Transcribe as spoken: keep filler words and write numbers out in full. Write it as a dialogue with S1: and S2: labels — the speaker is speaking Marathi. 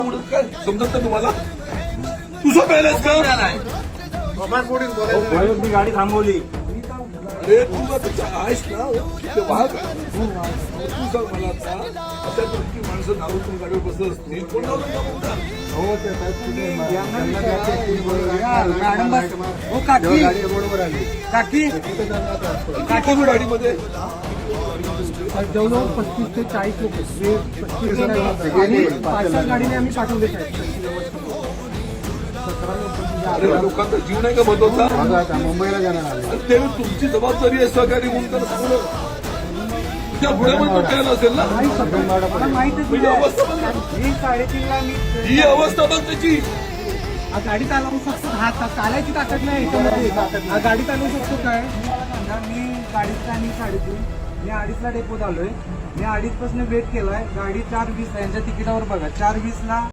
S1: काय समजत नाही तुम्हाला? तुझं पहिलेच का?
S2: मी गाडी थांबवली.
S1: अरे तू का त्याच्या आहेस ना ते वाहक तू सांग मला आता अशा की माणसं नावातून गाडीवर बसत असतील कोण
S2: हो ते काकी रोडवर आली. काकी
S1: काकी गाडीमध्ये
S2: जवळजवळ पस्तीस ते चाळीस लोक पस्तीस पाच गाडीने आम्ही पाठवले साहेब.
S1: अरे लोकांचा जीव नाही का महत्वाचा?
S2: मुंबईला जाणार आले.
S1: ते तुमची जबाबदारी आहे सहकारी म्हणून तर सांगणं. त्या पुढे पण तो केला असेल ना.
S2: मला माहितच
S1: म्हणजे अवस्था बघ ना.
S2: मी साडेतीनला मी
S1: ही अवस्था बघ त्याची.
S2: हा गाडी चालवू शकतो. हा चालायची ताकद नाही याच्यामध्ये. हा गाडी चालवू शकतो काय? मी गाडीचा आणि साडेतीन मी अडीचला डेपोत आलोय. मी अडीच पासून वेट केलाय. गाडी चार वीस यांच्या तिकिटावर बघा चार वीस ला